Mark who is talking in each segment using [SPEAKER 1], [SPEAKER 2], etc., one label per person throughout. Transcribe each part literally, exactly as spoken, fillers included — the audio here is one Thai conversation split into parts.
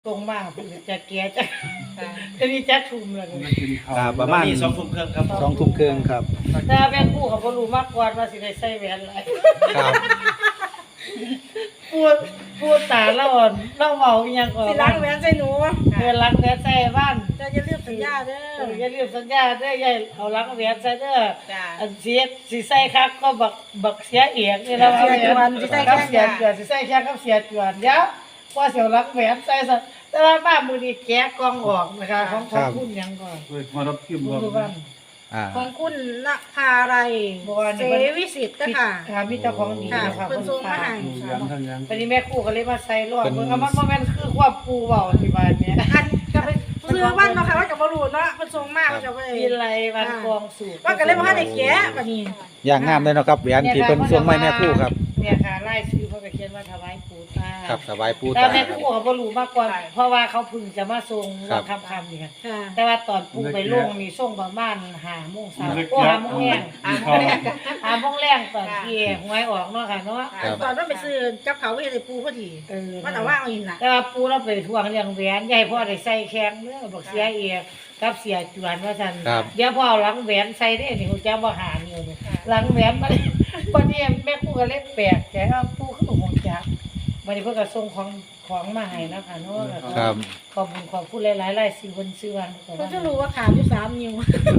[SPEAKER 1] ตรงมากจะแก่จะจะมีจักทุ่มเลย
[SPEAKER 2] ครับประมาณ
[SPEAKER 3] สองทุ่มครึ่งครับ
[SPEAKER 2] สองทุ่มครึ่งครับ
[SPEAKER 1] แต่แม่คู่เขาบ่รู้มากกว่าว่าสิได้ใส่แหวนอะไร
[SPEAKER 2] ครับ
[SPEAKER 1] พูดพูดตาเราอ่อนเราเว้าอีหยังก่อน
[SPEAKER 4] สิล้างแหวนใส่หนู
[SPEAKER 1] เออล้างแหวนใส่บ้าน
[SPEAKER 4] จะจะเรียกสัญญาเด้
[SPEAKER 1] เอ
[SPEAKER 4] อ
[SPEAKER 1] ออย่าลืมสัญญาเด้อยายเอาล้างแหวนใส่เด้อ
[SPEAKER 4] จ้า
[SPEAKER 1] อันเสียสิใส่คักก็บักบักเสียเอียกนี่แล้ว
[SPEAKER 4] เสียจวนสิใส่แค่
[SPEAKER 1] เสียจวนสิใส่แค่กับเสียจวนเดี๋ยวพอเสียวล้างแหวนใส่ซะแต่ว่าบ้านมื้อนี้แกะกล่องออกนะคะของของคุณหยังก่อน
[SPEAKER 5] มารับคิม
[SPEAKER 1] คุณ
[SPEAKER 5] รับ
[SPEAKER 1] ดูบ้าน
[SPEAKER 2] อ่า
[SPEAKER 4] ของคุณนภาไรเสวิสิทธิ์ค่ะ
[SPEAKER 1] ค่ะมีเจ้าของดี
[SPEAKER 4] ค่ะ
[SPEAKER 1] นะคะ
[SPEAKER 4] เพิ่นส่งมาให้
[SPEAKER 5] ยังทั้งยัง
[SPEAKER 1] ตอนนี้แม่ครูก็เลยมาใส่รอดเบิ่งเอามันบ่แม่นคือความปูเว้าที่บ้านเนี่ย
[SPEAKER 4] อันก็เป็นเสื้อวันเนาะค่ะว่าจะบ่รู้เนาะเพิ่นส่งมาว่าจะบ่ได้
[SPEAKER 1] มีไรวันกองสูบ
[SPEAKER 4] ว่าก็เลยบ่ทันได้แกะบัดนี้
[SPEAKER 2] อย่างงามเลยเนาะครับแหวนที่เพิ่นส่งมาให้แม่ครู่ครับ
[SPEAKER 1] เนี่ยค่ะไล่ชื่อเพิ่นก็เขียนว่าถวายปู่ตา
[SPEAKER 2] ครับสบายปู
[SPEAKER 1] แต่
[SPEAKER 2] ตา
[SPEAKER 1] แม่
[SPEAKER 2] ค
[SPEAKER 1] ครับ รูเขาบ่รู้มากกว่าเพราะว่าเขาเพึ่งจะมาส่ง
[SPEAKER 2] ครับ
[SPEAKER 1] คำคำนี่ค่ะ
[SPEAKER 4] ค่ะ
[SPEAKER 1] แต่ว่าตอนปู่ไปลงนี่ส่งประมาณห้าโมงเช้าโอ้ห้าโมงแรง
[SPEAKER 5] เขา
[SPEAKER 1] ห้าโมงแรงตอนที่หวยออกเนาะค่ะเนาะ
[SPEAKER 4] ตอนนั้นไปซื้อกับเขาไว้ให้ปูพอดี
[SPEAKER 1] เออ
[SPEAKER 4] มันเอาว่างเอาอีกล่ะ
[SPEAKER 1] แต่ว่าปู่เราไปทวงเรื่องแหวนยายพ่อได้ใส่แข้งเด้อบอกเสียเอียกับเสียจวนว่าซั่น
[SPEAKER 2] ครับ
[SPEAKER 1] เดี๋ยวพ่อเอาหลังแหวนใส่ได้นี่ฮู้จักบ่หานิ้วนี่หลังแหวนมันวันนี้แม่ครูก็เลยแปลกใจว่าปู่คือฮู้จักวันนี้เพิ่นก็ส่งของของมาให้นะคะเนาะแล้วก็
[SPEAKER 2] ครับ
[SPEAKER 1] ขอบคุณขอบคุณหลายๆหลายสิวันซื้อวันก็
[SPEAKER 4] เพิ่น
[SPEAKER 1] ว่า
[SPEAKER 4] จะรู้ว่าขาดอยู่สามนิ้ว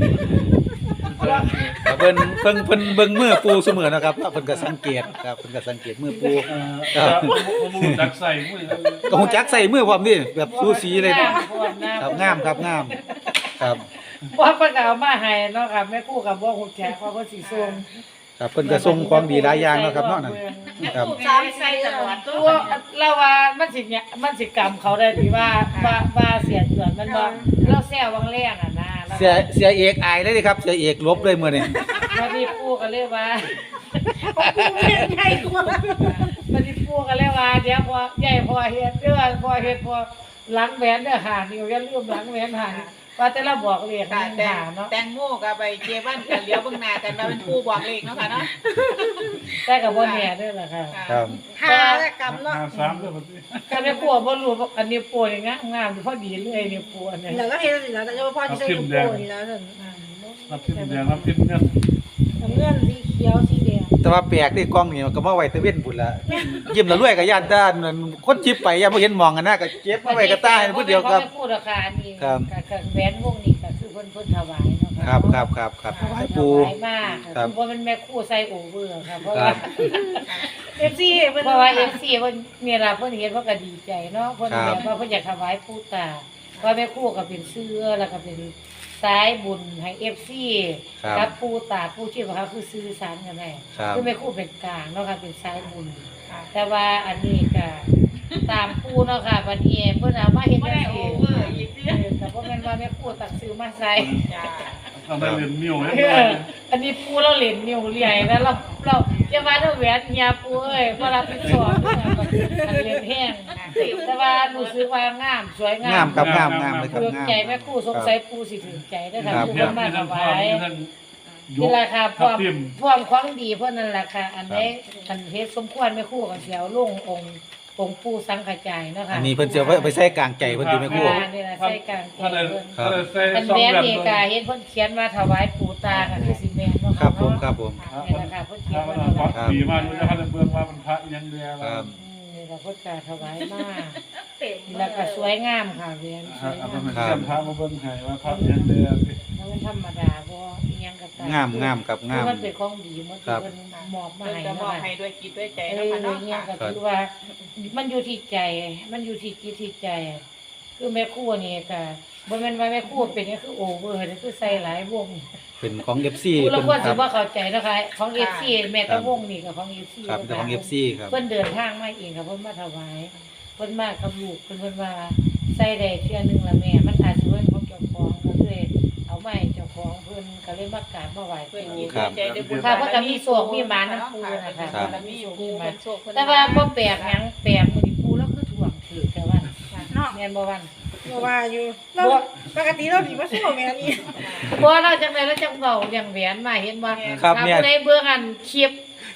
[SPEAKER 2] แต่เพิ่นเพิ่นเพิ่นเบิ่งมือปูเสมอนะครับเพิ่นก็สังเกตครับเพิ่นก็สังเกตมือปู
[SPEAKER 5] เออผมจักใส่มือ
[SPEAKER 2] ก็ฮู้จักใส่มือพร้อมนี่แบบสูสีเลย
[SPEAKER 1] งามโพดนะครับ
[SPEAKER 2] งามครับงามครับ
[SPEAKER 1] เพราะเพิ่นก็เอามาให้เนาะค่ะแม่ครูก็บ่ฮู้จักว่าเพิ่นสิส่ง
[SPEAKER 2] ครับเพิ่นก็ส่งของดีหลายอย่างเนาะครับเนาะนั่นครับ
[SPEAKER 4] สามใส่ตลอด
[SPEAKER 1] ตัวเราว่ามันสิเนี่ยมันสิกรรมเขาได้ที่ว่าว่าว่าเสียเดือนมันบ่เราแซววังแรงอ่ะนะแล้ว
[SPEAKER 2] เสียเสียเอกอายเลยเด้ครับเสียเอกลบเลยมื้อนี้
[SPEAKER 1] วันนี้ปู่ก็เลยว่า
[SPEAKER 4] ปูเป็นไงกว่า
[SPEAKER 1] วันนี้ปู่ก็เลยว่าเดี๋ยวพอใหญ่พอเฮ็ดเด้อพอเฮ็ดพอหลังแหวนเด้อหานิ้วอย่าลืมหลังแหวนหานิ้วว่าแต่เราบอกเลข
[SPEAKER 6] ค่ะ
[SPEAKER 1] มัน
[SPEAKER 6] แตง
[SPEAKER 1] หาเนาะ
[SPEAKER 6] แตงโมกับไปเจวันกันเลี้ยวเบิ่งหน้ากันมาเป็นผู้บอกเลขเนาะค่ะเนาะ
[SPEAKER 1] แต่ก็บ่แน่เด้อล่ะค่ะ
[SPEAKER 2] ครับ
[SPEAKER 4] หาและกำเนาะ
[SPEAKER 5] ห้าสามด้วยมัน
[SPEAKER 1] ก็ได้ปู่บ่รู้ว่าอันนี้ปู่นี่งามงามพอดีเลยนี่ปู่อันนี้
[SPEAKER 4] แล้วก็เฮ็ดสิแล้วแต่ว่าพ่อที่ใส่ถุงโป่นี่แล้วนั่น
[SPEAKER 5] รับทิมแดงรับทิมเงิน
[SPEAKER 4] น้ำเงินสีเขียวสีแดง
[SPEAKER 2] แต่ว่าแปลกนี่กล้องนี่ก็มาไว้แตะเว้นพุ่นละยิ้มแล้วรวยก็ย่านด้านนั่นคนจิบไปย่านบ่เห็นหมองกันนะก็เก็บมาไว้กับตาให้ผู้เดียวครับ
[SPEAKER 1] พูดราคานี่
[SPEAKER 2] ครับ
[SPEAKER 1] กับแหวนวงนี้ก็คือเพิ่นเพิ่นถวายเนาะ
[SPEAKER 2] ครับครับครับครับถวายปู
[SPEAKER 1] ถวายมาก
[SPEAKER 2] ครับ
[SPEAKER 1] เพราะมันแม่ครู่ใส่โอเวอร์ค่ะเพราะ
[SPEAKER 2] ค
[SPEAKER 1] ว่า
[SPEAKER 2] รับ
[SPEAKER 4] เอฟซีเพิ่น
[SPEAKER 1] เพราะว่า เอฟ ซี เพิ่นเนี่ยล่ะเพิ่นเห็นเพิ่นก็ดีใจเนาะเพิ่น
[SPEAKER 2] ครับ
[SPEAKER 1] แบบว่าเพิ่นอยากถวายปู่ตาเพราะแม่ครู่ก็เป็นเสื้อแล้วก็เป็นสายบุญให้ เอฟ ซี
[SPEAKER 2] ครับ
[SPEAKER 1] กับปู่ตาปู่ชื่อว่าเขาคือสื่อสารกันแน่
[SPEAKER 2] ครับ
[SPEAKER 1] คือแม่ครู่เป็นกลางเนาะค่ะเป็นสายบุญแต่ว่าอันนี้ก็ตามปู่เนาะค่ะบัดนี้เพิ่นเอามาเฮ็ด
[SPEAKER 6] บ่
[SPEAKER 1] จั
[SPEAKER 6] ได้
[SPEAKER 1] ง
[SPEAKER 6] โอ
[SPEAKER 1] ซี่
[SPEAKER 6] เวอร์อีกเด้อ
[SPEAKER 1] แต่พ่อแม่นว่าแม่ครูตักซื้อมาใส่
[SPEAKER 6] จ้า
[SPEAKER 5] ทำได้เรียนมิวให้
[SPEAKER 1] เอออันนี้ปูเราเหรียญนิ้วใหญ่แล้วเราเราจะมาด้วยแหวนเฮียปูเอ้ยเพราะเราเป็นสอนอันเหรียญแห้งแต่ว่าหนูซื้อมางามสวยงาง
[SPEAKER 2] าม
[SPEAKER 1] ม
[SPEAKER 2] ครับงามงามเลยครับ
[SPEAKER 1] เพื่อ
[SPEAKER 2] งาม
[SPEAKER 1] ใจแม่ครูสงสัยปูสิถึงใจได้ค่ะ
[SPEAKER 2] ครับ
[SPEAKER 1] ปู
[SPEAKER 5] เพีย
[SPEAKER 1] เพิ่
[SPEAKER 5] ง
[SPEAKER 1] นมา
[SPEAKER 5] มี
[SPEAKER 1] ถ
[SPEAKER 5] ทั้ง
[SPEAKER 1] วาย
[SPEAKER 5] มีทั้งย
[SPEAKER 1] นี่
[SPEAKER 5] ก
[SPEAKER 1] แหละค่ะค
[SPEAKER 5] ทับ
[SPEAKER 1] วาม
[SPEAKER 5] ทิม
[SPEAKER 1] ความของดีเพิ่นนั่นแหละค่ะอันนี้อันเฮ็ดสมควรแม่ครูก็สิเอาลงองค์องค์ปู่สังฆจายเนาะค่ะ
[SPEAKER 2] อันนี้เพิ่นจะเอาไปใส่กลางใจเพิ่นอยู่แม่ครู
[SPEAKER 1] อ่านี่ล่ะใส่กลางใจ
[SPEAKER 5] ถ้าได้
[SPEAKER 1] เพิ่น
[SPEAKER 5] ถ้าได้ใส่
[SPEAKER 1] อัน
[SPEAKER 5] สอง
[SPEAKER 1] แม่
[SPEAKER 5] แบบ
[SPEAKER 1] นี่ก็เห็นเพิ่นเขียนว่าถวายปู่ตาค่ะคือสิแม่นเนาะ
[SPEAKER 2] ครับผมครับผม
[SPEAKER 1] นี่แหละค่ะเพิ่นเขีย
[SPEAKER 5] ถ้าน มั
[SPEAKER 1] ว่าน ถวาย
[SPEAKER 5] ดีมากเลยถ้าได้เบิ่งว่ามันพระยังเดียว
[SPEAKER 2] ครับ
[SPEAKER 1] อืมนี่แหละเพิ่นก็ถวายมาก
[SPEAKER 6] เต็ม
[SPEAKER 1] แล้วก็สวยงามค่ะเรียนสวย
[SPEAKER 5] เอา
[SPEAKER 1] งาม
[SPEAKER 5] ไปเชื่อมพระมาเบิ่งให้ว่าพระยังเดียว
[SPEAKER 1] แล้วมันธรรมดาบ่อีหยังก็ตาม
[SPEAKER 2] งามงามครับงาม
[SPEAKER 1] มันเป็นของดีมันที่เพิ่นมอบมา
[SPEAKER 6] เพิ่น
[SPEAKER 1] ให้
[SPEAKER 6] จะ
[SPEAKER 1] เนาะ
[SPEAKER 6] มอบ
[SPEAKER 1] ค่ะ
[SPEAKER 6] ให้ด้วยจิตด้วยใจ
[SPEAKER 1] เอ
[SPEAKER 6] เนาะ
[SPEAKER 1] อ
[SPEAKER 6] ค่ะเนาะ
[SPEAKER 1] เนี่ยก็คือว่ามันอยู่ที่ใจ มันอยู่ที่จิตที่ใจ คือแม่ครัวนี่ก็บ่แม่นว่าแม่ครัวเป็นนี่คือโอเวอร์นี่คือใส่หลายวง
[SPEAKER 2] เป็นของ เอฟ ซี
[SPEAKER 1] ผู้ละ
[SPEAKER 2] เพิ่น
[SPEAKER 1] คน
[SPEAKER 2] ค
[SPEAKER 1] สิ
[SPEAKER 2] รับ
[SPEAKER 1] บ่เข้าใจนะคะของ เอฟ ซี แม่ตะวงนี่ก็ของ เอฟ ซี
[SPEAKER 2] ครับเป็นของ เอฟ ซี ครับ
[SPEAKER 1] เพิ่นเดินทางมาเองค่ะเพิ่นมาถวายเพิ่นมากับลูกเพิ่นเพิ่นว่าใส่ได้เทื่อนึงละแม่มันอาจสิเพิ่นของเจ้าของก็เลยเอามาให้เจ้าของเพิ่นก็เลยมากราบมาไหว้
[SPEAKER 6] เพื่อ
[SPEAKER 1] ปู่
[SPEAKER 6] จิตด้วยใจด้วยบุญ
[SPEAKER 1] ค่ะเพิ่นก็มีโศกมีหมาน้ำปูนะคะ
[SPEAKER 2] ครับ
[SPEAKER 6] เพิ่นมีอยู่ปูเพิ่นโชคเพิ่น
[SPEAKER 1] แต่ว่าบ่แปลกหยังแปลกมื้อนี้ปูแล้วคือถ่วงถือแต่ว่า
[SPEAKER 4] เนาะ
[SPEAKER 1] แม่นบ่วัน
[SPEAKER 4] บ่ว่าอยู่เราปกติเราสิบ่สู้แม่นี่
[SPEAKER 1] บ่เราจังได๋เราจังเว้าเรื่องแหวนมาเห็นบ่
[SPEAKER 2] ครับ
[SPEAKER 1] ถ้า
[SPEAKER 2] เนี่ย
[SPEAKER 1] ผู้ใดเบิ่งอันคลิป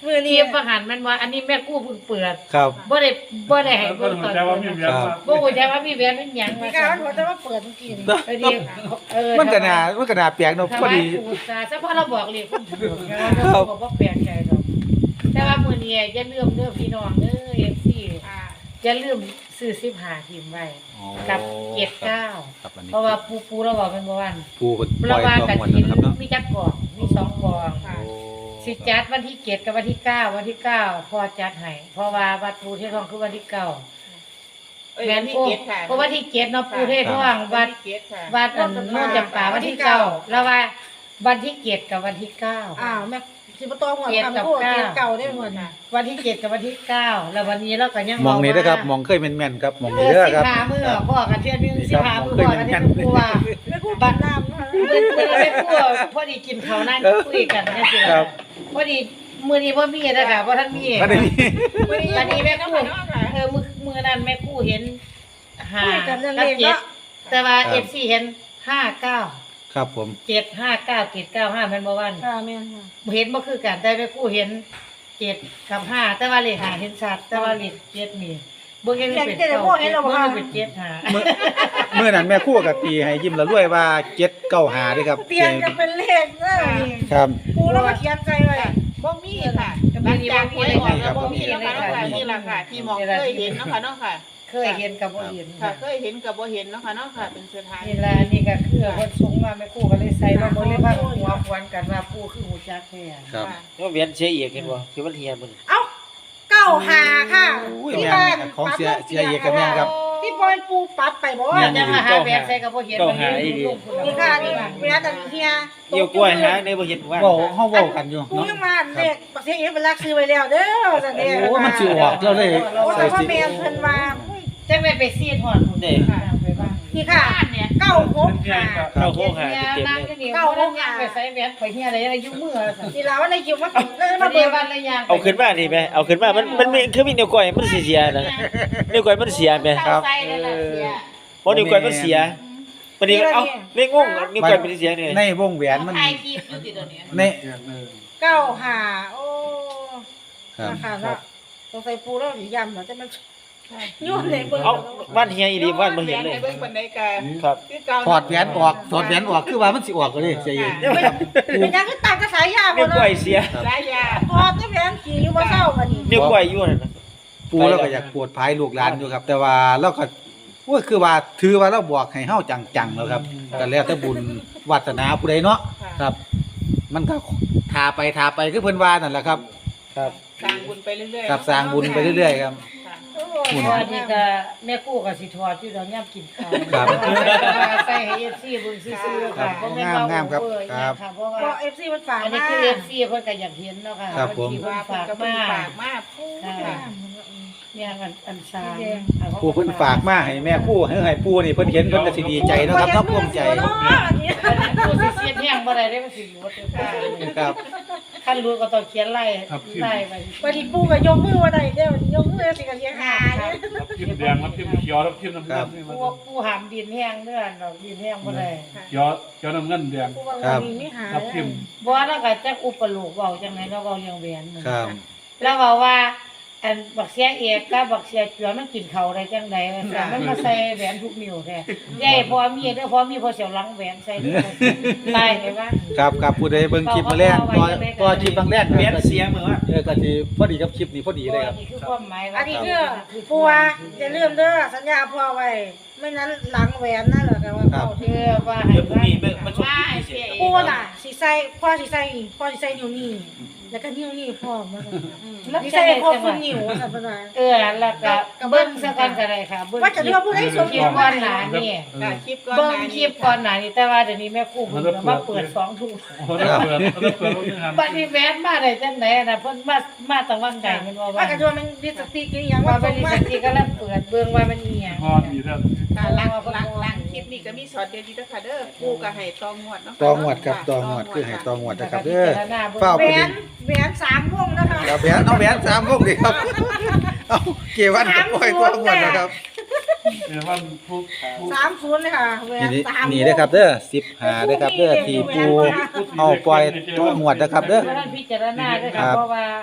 [SPEAKER 4] มือ
[SPEAKER 1] เที
[SPEAKER 4] นี้
[SPEAKER 1] ยบประหารมันว่าอันนี้แม่กู้เพิ่งเปิด
[SPEAKER 2] ครับ
[SPEAKER 1] บ่ได้บ่ได้ให้
[SPEAKER 5] ก็
[SPEAKER 1] เบิ่ง
[SPEAKER 5] หั
[SPEAKER 1] ต
[SPEAKER 5] ว
[SPEAKER 1] อน
[SPEAKER 5] ใจว่ามี
[SPEAKER 1] เปิด
[SPEAKER 5] เวียนว่า
[SPEAKER 1] บ่ฮู้จักว่ามีแหวนเป็นหยัง
[SPEAKER 4] มี
[SPEAKER 1] ว่า
[SPEAKER 4] การ
[SPEAKER 1] ซั่น
[SPEAKER 4] หัวแต่ว่าเปิดเมื่อกี้นี่
[SPEAKER 1] เออดีเออ
[SPEAKER 2] มันก็น่ามันก็น่าแปลกเนาะพอดี
[SPEAKER 1] ถวายปู่ซาซะเพราะเราบอกเลยคนถูกเราบอกว่าแปลกใจดอกแต่ว่ามื้อนี้อย่าลืมเด้อพี่น้องเด้อ เอฟ ซี
[SPEAKER 6] ค่ะ
[SPEAKER 1] อย่าลืมซื้อสิบห้าทีมไว้กับเจ็ดเก้า
[SPEAKER 2] ครับอันนี้
[SPEAKER 1] เพราะว่าปูปูเราบอกเป็นบ่วัน
[SPEAKER 2] ปูเพิ่นป
[SPEAKER 1] เรา
[SPEAKER 2] ล่อย
[SPEAKER 1] ว่า
[SPEAKER 2] ตัว
[SPEAKER 1] กัน
[SPEAKER 2] หมด
[SPEAKER 1] กิน
[SPEAKER 2] นะครับเนาะ
[SPEAKER 1] มีจักกล่องมีสองกล่อง
[SPEAKER 6] ค่ะ
[SPEAKER 2] โอ้
[SPEAKER 1] สิจัดวันที่เจ็ดกับวันที่เก้าวันที่เก้าพอจัดให้เพราะว่าวัดปูเทศทองคือวันที่เก้า
[SPEAKER 6] เอ้ย
[SPEAKER 1] แม่
[SPEAKER 6] วัน
[SPEAKER 1] น
[SPEAKER 6] ที่
[SPEAKER 1] โอ้
[SPEAKER 6] เจ็ดค่ะ
[SPEAKER 1] เพราะวันที่เจ็ดเนาะปูเทศทองวัด
[SPEAKER 6] ที่เจ็ดค่ะ
[SPEAKER 1] วัดอันโน่นจำปาวันที่เก้าแล้วว่าวันที่เจ็ดกับวันที่เก้า
[SPEAKER 4] อ้าวแม่สิบ่ต้องหัวทำพูดเตียเก่าได้หมดน่ะ
[SPEAKER 1] วันที่เจ็ดกับวันที่เก้าแล้ววันนี้เราก็ยัง
[SPEAKER 2] มองนี้นะครับ
[SPEAKER 1] ว่าม
[SPEAKER 2] องเคยแม่นๆครับมอง
[SPEAKER 1] เอ
[SPEAKER 2] นี้
[SPEAKER 1] อ
[SPEAKER 2] เด้อ
[SPEAKER 1] สิ
[SPEAKER 2] ครับ
[SPEAKER 1] พามือพ่อกันเชื่อนึงสิพามือพ่อกันที่ปูว่า
[SPEAKER 4] ไม่พูดบัตรน้ำนะคะ
[SPEAKER 1] เมื่อเมื่อไม่พูดพอดีกินข้าวนั่งคุยกันเนี่ยสิ
[SPEAKER 2] ครับ
[SPEAKER 1] พอดีมื้อนี้บ่มีนะคะบ่ทันมี
[SPEAKER 2] ก็ได้มี
[SPEAKER 1] มื้อนี้อันนี้แม่กู้เออมื้อมื้อนั้นแม่กู้เห็นห้า
[SPEAKER 4] คุยกันเรื่อง
[SPEAKER 1] กับ
[SPEAKER 4] เลข
[SPEAKER 1] เจ็ด
[SPEAKER 4] เนาะ
[SPEAKER 1] แต่ว่า เอฟ ซี เห็นห้าเก้า
[SPEAKER 2] ครับผม
[SPEAKER 1] เจ็ด ห้าเก้า เจ็ด เก้า ห้าแม่นบ่วัน
[SPEAKER 4] ค่ะแม่นค่ะ
[SPEAKER 1] เห็นบ่คือกันแต่แม่กู้เห็นเจ็ดกับห้าแต่ว่าเลขห้าเห็นชัดแต่ว่าเลขเจ็ดนี่บ่เห็นเป็นเก้าบ่เห็นเป็นเจ็ดห้า
[SPEAKER 2] เมื่อเมื่อนั้นแม่ครู่กับตีให้ยิ้มละรวยว่าเจ็ดเก้าหาด้วยครับ
[SPEAKER 4] เตียนกันเป็นเลขเด้อนี่
[SPEAKER 2] ครับ
[SPEAKER 4] ปูแล้วมาเขียนใจไว้
[SPEAKER 6] บ่มีค่ะหลังจากหวยออกแล้วบ่มีแล้วค่ะน้องค่ะนี่ล่ะค่ะ ที่มองเคยเห็นเนาะค่ะเนาะค่ะ
[SPEAKER 1] เคยเห็นกับบ่เห็น
[SPEAKER 6] ค่ะเคยเห็นกับบ่เห็นเนาะค่ะเนาะค่ะ เป็นสถาน
[SPEAKER 1] นี่ล่ะนี่ก็คือเพิ่นส่งมาแม่กู้ก็เลยใส่มาบ่เลยพาหัวควนกันว่าปู่คือหูจักแท้
[SPEAKER 2] ครับ
[SPEAKER 6] ค่ะ
[SPEAKER 3] ว่าเวียนเสียเอกเห็นบ่คือมันเฮียมัน
[SPEAKER 4] เอ้าเก้าหาค่ะ
[SPEAKER 2] อุ้ยแม่นของเสียเสียเอกกับแม่นครับ
[SPEAKER 4] ที่บอยปูปัดไปบ่
[SPEAKER 1] ว่าจะมาหาแบบใส่กับบ่เห็น
[SPEAKER 4] นี่ค่ะนี่เวลาแต่เฮีย
[SPEAKER 3] เกี่ยวกล้วยหาในบ่เห็นว่า
[SPEAKER 2] เว้าเฮาเว้ากันอยู่
[SPEAKER 4] ปู
[SPEAKER 2] เนาะ
[SPEAKER 4] ยังมาเลขบักเสียเองเป็นลักซื้อไว้แล้วเด้อจังได๋
[SPEAKER 2] โอ้มันสิออกแล้วเลย
[SPEAKER 4] โอ้
[SPEAKER 2] ใส่
[SPEAKER 4] แต่ว่า
[SPEAKER 2] สิ
[SPEAKER 4] แม่เพิ่นว่า
[SPEAKER 1] จังแม่ไปซีดฮอดพุ่น
[SPEAKER 3] เด้
[SPEAKER 1] ไปบ้าน
[SPEAKER 4] นี่ค่ะ
[SPEAKER 1] เนี่ย
[SPEAKER 4] เก้าหกหา
[SPEAKER 3] เข้าโคหา
[SPEAKER 1] เนี่ย
[SPEAKER 3] เต็ม
[SPEAKER 1] นั่ง
[SPEAKER 3] ๆเลย
[SPEAKER 1] อยู่นี่เก้านั่งย่างไปใส่แหวนข่อยเฮียอะไรอะไรยุ่มือซั่น
[SPEAKER 4] นี่ล่ะว่าในคิวมาเลย
[SPEAKER 1] มา
[SPEAKER 4] มา
[SPEAKER 1] เดี
[SPEAKER 4] เบิ่
[SPEAKER 1] ยว
[SPEAKER 4] ง
[SPEAKER 1] วันละอย่าง
[SPEAKER 3] เอาขึ้นมานี่แม่เอาขึ้นมามันมันมีคือมีนิ้วก้อยมันสิเสียนะนิ้วก้อยมันเสียแม่
[SPEAKER 1] ครับใส่นั่นน่ะเสีย
[SPEAKER 3] บ่นิ้วก้อยมันเสียบัดนี้เอ้าไม่งงนิ้วก้อยมันเสียนี่
[SPEAKER 2] ในวงแหวนมัน
[SPEAKER 1] ถ่ายคลิปอยู่ติดตัวนี้
[SPEAKER 2] ใน
[SPEAKER 5] เวียนเลย
[SPEAKER 4] เก้าหาโอ้
[SPEAKER 2] ครับ
[SPEAKER 4] ราคาเนาะสงสัยปูแล้วสิย่ำเนาะจะมันยุ่นเลยเบิ่ง
[SPEAKER 3] เอาบ้านเฮียอีหลีบ้านบ่เห็นเลย
[SPEAKER 6] เบิ่งปานใดก็
[SPEAKER 3] ครับ
[SPEAKER 6] คือเก่า
[SPEAKER 2] ถอดแหวนออกถอดแหวนออกคือว่ามันสิออกก็เลยเสียเอก
[SPEAKER 4] เป็นยังคือตามกระสายยา
[SPEAKER 3] นิ้
[SPEAKER 4] บ่
[SPEAKER 3] วก้อ
[SPEAKER 4] เนาะ
[SPEAKER 3] ยเสีย
[SPEAKER 6] หลายอย่าง
[SPEAKER 4] พอจะแหวนขี่อยู่บ่เศร้าบัดนี้
[SPEAKER 3] นิ้วก้อยอยู่นั่นน่ะ
[SPEAKER 2] ปูเราก็อยากปวดภายลูกหลานอยู่ครับ แต่ว่าเราก็โอ้ยคือว่าถือว่าเราบอกให้เฮาจังๆแล้วครับก็แล้วแต่บุญวาสนาผู้ใดเนาะครับ มันก็ทาไปทาไปคือเพิ่นว่านั่นแหละครับ
[SPEAKER 3] ครับ
[SPEAKER 6] สร้างบุญไปเรื่อยๆ
[SPEAKER 2] ครับสร้างบุญไปเรื่อยๆครับ
[SPEAKER 6] ค่ะ
[SPEAKER 1] เพราะว่านี่ก็แม่กู้ก็สิถอดอยู่ดอกย่ำกินข้าว
[SPEAKER 2] ครับ
[SPEAKER 1] ใส่ให้ เอฟ ซี เบิ่งซื่อๆค่ะบ่แม่นว่าง
[SPEAKER 2] ามๆครับ
[SPEAKER 1] เวอร์
[SPEAKER 2] ครับ
[SPEAKER 1] ค่ะเพราะ
[SPEAKER 4] พอ
[SPEAKER 1] ว่า
[SPEAKER 4] เอฟซีมันฝาก
[SPEAKER 1] อันนี้
[SPEAKER 4] มา
[SPEAKER 1] คือ เอฟ ซี เพิ่นก็อยากเห็นเนาะค่ะ
[SPEAKER 2] ครับผม
[SPEAKER 1] ที่เพิ่
[SPEAKER 6] ว่าน เพิ่น
[SPEAKER 1] ฝาก
[SPEAKER 6] ก็เพิ่
[SPEAKER 1] มาง
[SPEAKER 6] ฝากมาพูดค่ะ
[SPEAKER 1] เนี่ยอันอันซาง
[SPEAKER 2] ผู้เพิ่นฝากมาให้แม่ผู้ให้ให้ผู้นี่เพิ่นเห็นเพิ่นก็สิดีใจเนาะครับเนาะภูมิใจ
[SPEAKER 4] เนาะอันนี้
[SPEAKER 1] ผู้สิเสียแห้งบ่ได้เด้มันสิอยู่บ่ถึงค่ะ
[SPEAKER 2] ครับ
[SPEAKER 1] คันรู้ก็ต้องเขียนไล่ไล่ไป
[SPEAKER 4] วันนี้ปูก็ยกมือว่าได้เด้อยกมือสิก็เสียหาเนี่ย
[SPEAKER 5] รับทิมแดงรับทิมเขียวรับทิมน้ำเงินนี่มัน
[SPEAKER 1] ผู้ผู้หามดินแห้งเด้อดอกดินแห้งบ่ได้
[SPEAKER 5] เขียวเขียวน้ำเงินแดง
[SPEAKER 4] ปูว่าวันนี้ไม่หา
[SPEAKER 5] รับทิม
[SPEAKER 1] บ่แล้วก็จักอุปโลกเว้าจังไดเนาะเว้าเรื่องแหวนนั่น
[SPEAKER 2] ครับ
[SPEAKER 1] แล้วเว้าว่าอันบักเสียเอกกับบักเสียเจือมันกินข้าวได้จังไดว่าซั่นมันมาใส่แหวนทุกนิ้วแท้ยายพอมีเด้อพอมีพอเสียวหลังแหวนใส่นี่ไล่ไปว่า
[SPEAKER 2] ครับครับผู้ใดเบิ่งคลิปมาแรกตัวตัวคลิปบางแรก
[SPEAKER 3] เวียนเสียเหมือนว่า
[SPEAKER 2] เออก็สิพอดีกับคลิปนี้พอดีเลยครับ
[SPEAKER 1] นี่คือความหมายว่า
[SPEAKER 4] อันนี้คือปูว่าจะเริ่มเด้อสัญญาพ่อไว้ไม่นั้นหลังแหวนนั่นเหรอแต่ว่าเขา
[SPEAKER 1] เออว่าให้
[SPEAKER 3] เดี๋ยวพรุ่งนี้เบิ่งมาชม
[SPEAKER 1] ว่า
[SPEAKER 3] คลิป
[SPEAKER 1] ให้
[SPEAKER 3] พิเศ
[SPEAKER 1] เสีย
[SPEAKER 3] ษ
[SPEAKER 1] เอก
[SPEAKER 4] ปูน่ะสิใส่พ่อสิใส่นี่พ่อสิใส่นิ้วนี่แล้วก็นิ้วนี่พ่อมาสิใส่พ่อคุณนิ้วสัปดาห์
[SPEAKER 1] เออแล้วก็เบิ่งซะก่อนก็ได้ค่ะเบิ่ง
[SPEAKER 4] ว่าจะเรียกว่าผู้ใดสม
[SPEAKER 1] คลิปก่อนหน้านี่
[SPEAKER 6] ค่ะคลิปก่อน
[SPEAKER 1] เบิ่ง
[SPEAKER 6] หน้า
[SPEAKER 1] คลิปก่อนหน้านี่แต่ว่าเดี๋ยวนี้แม่ครูเพิ่นมาเปิดสองทุ่ม
[SPEAKER 5] โอ้โหแล้วเปิดแล้วเปิดรถนึงหัน
[SPEAKER 1] บัดนี้แม่นมาได้จังได๋น่ะเพิ่นมามาตั้งวังไก่มันว่า
[SPEAKER 4] ว่า
[SPEAKER 1] ว่า
[SPEAKER 4] กันว่ามันดิสติกอย่าง
[SPEAKER 1] ว่า
[SPEAKER 4] ว่า
[SPEAKER 1] เป็
[SPEAKER 4] เป็น น
[SPEAKER 1] ลิ
[SPEAKER 4] ว่า
[SPEAKER 1] สติก็แล้วเปิดเบิ่งว่ามันอีหยัง
[SPEAKER 5] ฮอดอีกแล้ว
[SPEAKER 6] ค่ะหลังหลังหลังคลิปนี้ก็มีสอนเดียวดีนะคะเด้อปูก็ให้ตองงวดเนาะ
[SPEAKER 2] ตองวดครับตองวดคือให้ตองวดนะครับเด้อ
[SPEAKER 1] เฝ้า
[SPEAKER 2] เฝ้า
[SPEAKER 4] แหวนแหวนสามวงนะคะ
[SPEAKER 2] ครับแหวนเอาแหวนสามวงดิครับเอาเกวันกับปล่อยตองวดนะครับ
[SPEAKER 5] เดี๋ยววันพุธพุธ
[SPEAKER 4] สามศูนย์เลยค่ะแหวน
[SPEAKER 2] นี่
[SPEAKER 4] สาม
[SPEAKER 2] นี่เด้อครับเด้อสิบห้าเด้อครับเด้อที่ปูเอาปล่อยตองวดนะครับเด้อ
[SPEAKER 1] เพราะนั้นพิจารณาด้วย
[SPEAKER 2] ครั
[SPEAKER 1] ค่ะ
[SPEAKER 2] บ
[SPEAKER 1] เพราะว่า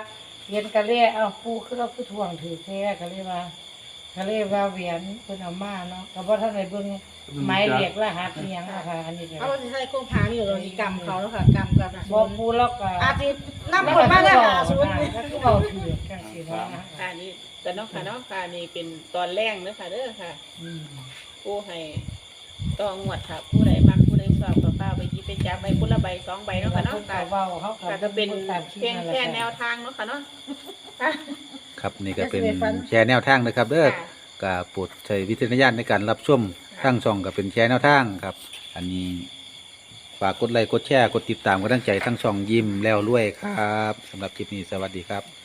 [SPEAKER 1] เย็นก็เลยเอาปูคือเราคือถ่วงถือแท้ก็เลยว่าก็เลยว่าแหวนเพิ่นเอามาเนาะก็บ่ทันได้เบิ่งหมายเลขรหัสอีหยังนะคะอันนี้ก็
[SPEAKER 4] เอาสิใส่โครงผาอยู่เราสิกรรมเขาแล้วค่ะกรรมกับ
[SPEAKER 1] บ่ปูแล้วก็
[SPEAKER 4] อาทิตย์นำคนมาได้หาศูนย์
[SPEAKER 1] ก็คือเว้าถือจังซี่เนาะ
[SPEAKER 6] ค่ะนี่แต่น้องค่ะน้องค่ะนี่เป็นตอนแรกเด้อค่ะเด้อค่ะ
[SPEAKER 1] อืม
[SPEAKER 6] ผู้ให้ต้องงวดค่ะ ผู้ใดมักผู้ใดชอบก็เป้าไปหยิบไปจับไปผู้ละใบสองใบเนาะค่ะเนาะ
[SPEAKER 1] พิ่
[SPEAKER 6] ค่ะ
[SPEAKER 1] ก็เว้าเขาก็
[SPEAKER 6] ค่ะก็เป็น
[SPEAKER 1] ตามคลิป
[SPEAKER 6] เพียง
[SPEAKER 1] นั่น
[SPEAKER 6] แค่
[SPEAKER 1] หละ
[SPEAKER 6] แนวทางเนาะค่ะเนาะค่ะ
[SPEAKER 2] ครับนี่ก็เป็นแชร์แนวทางนะครับเด้อ
[SPEAKER 6] ค่ะ
[SPEAKER 2] ก็โปรดใช้วิจารณญาณในการรับชมทั้งช่องก็เป็นแชร์แนวทางครับ อันนี้ฝากกดไลค์กดแชร์กดติดตามกำลังใจทั้งช่องยิ้มแล้วรวยครับสำหรับคลิปนี้สวัสดีครับ